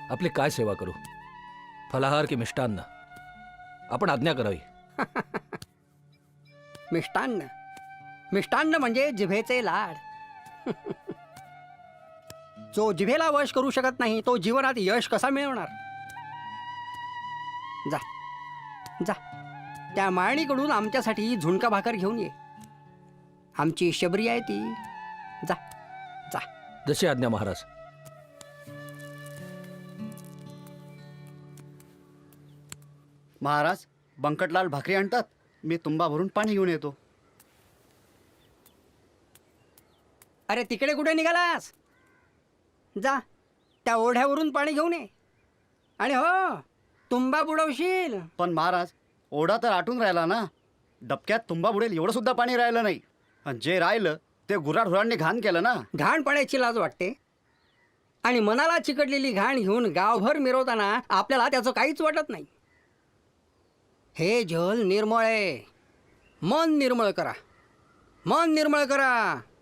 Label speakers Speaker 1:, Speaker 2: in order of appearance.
Speaker 1: आपली काय सेवा करू? फलाहार की मिष्टान्न? आपण आज्ञा करावी.
Speaker 2: मिष्टान्न मिष्टान्न म्हणजे जिभेचे लाड. जो जिभेला वश करू शकत नाही तो जीवनात यश कसा मिळवणार? जा जा त्या माळणीकडून आमच्यासाठी झुणका भाकर घेऊन ये. आमची शबरी आहे ती. जा जा.
Speaker 1: जशी आज्ञा महाराज.
Speaker 3: महाराज, बंकटलाल भाकरी आणतात. मी तुंबा भरून पाणी घेऊन येतो.
Speaker 2: अरे तिकडे कुठे निघालास? जा त्या ओढ्यावरून पाणी घेऊन ये. आणि हो, तुंबा बुडवशील.
Speaker 3: पण महाराज, ओढा तर आटून राहिला ना. डबक्यात तुंबा बुडेल एवढं सुद्धा पाणी राहिलं नाही. आणि जे राहिलं ते गुराढोरांनी घाण केलं ना.
Speaker 2: घाण पाण्याची लाज वाटते. आणि मनाला चिकटलेली घाण घेऊन गावभर मिरवताना आपल्याला त्याचं काहीच वाटत नाही. हे जल निर्मळ आहे. मन निर्मळ करा. मन निर्मळ करा.